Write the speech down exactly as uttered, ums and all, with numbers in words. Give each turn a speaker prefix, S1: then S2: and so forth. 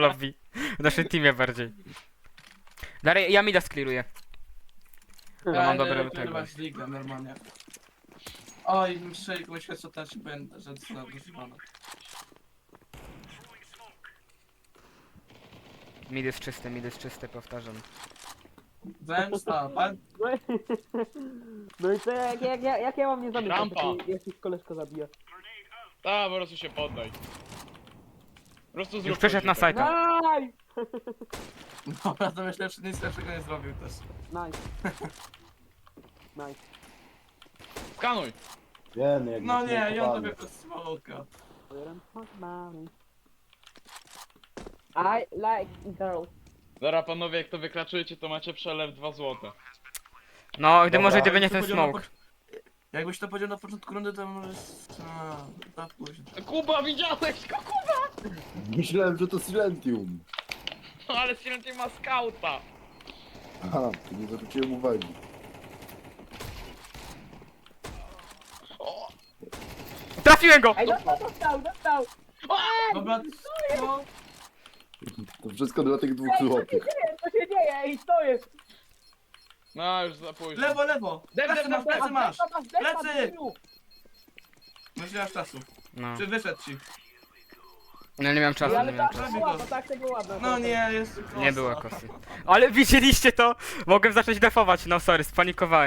S1: lobby. W naszym teamie bardziej. Dalej, ja mida skliruję. Ja mam dobre tego.
S2: z ligę normalnie. Oj, strzeli komuś headshota się będę, że została używana.
S1: Mid jest czysty, mid jest czysty, powtarzam.
S2: Zemsta, pan...
S3: No i, no i to jak, jak, jak, jak ja mam nie zamykać,
S4: Rampa.
S3: jak, jak ich koleżka zabija.
S4: A, po prostu się poddaj. Po prostu zrób
S1: Już przeszedł na
S4: coś, tak.
S1: sajta.
S3: Nice!
S2: Dobra, to myślę, że nic lepszego nie zrobił też.
S3: Nice. Nice.
S4: Skanuj!
S5: Wiem, jak
S2: No nie, ja
S5: zmontowany.
S2: tobie bez smoka.
S3: I like girls.
S4: Dobra panowie, jak to wykraczujecie, to macie przelew dwa złote.
S1: No, gdy
S5: Dobra,
S1: może gdyby
S2: Jakbyś
S1: nie
S2: to
S1: ten
S2: powiedział na
S1: smoke.
S2: pocz- Jakbyś to powiedział na początku rundy, to może... A, tak późno.
S4: Kuba, widziałeś go, Kuba!
S5: Myślałem, że to Silentium.
S4: No ale Silenti ma skauta!
S5: Aha, to nie zwróciłem uwagi.
S1: Trafiłem go!
S3: Ej, dostał, dostał, dostał!
S2: Dobra, no,
S5: To wszystko dla tych dwóch złotych.
S3: Nie, co się dzieje? Ej, co jest?
S4: No już za późno.
S2: lewo, lewo!
S4: Def,
S2: Plecy
S4: def,
S2: masz,
S4: def,
S2: plecy masz! Plecy!
S3: Plecy!
S2: Myślasz czasu.
S1: No.
S2: Czy wyszedł ci?
S1: No nie miałem czasu, nie
S3: Ale
S1: miałem
S3: tak
S1: czasu.
S3: tego ładno, tak tego ładno.
S2: No nie, jest kosa.
S1: Nie było kosy. Ale widzieliście to? Mogłem zacząć defować, no sorry, spanikowałem.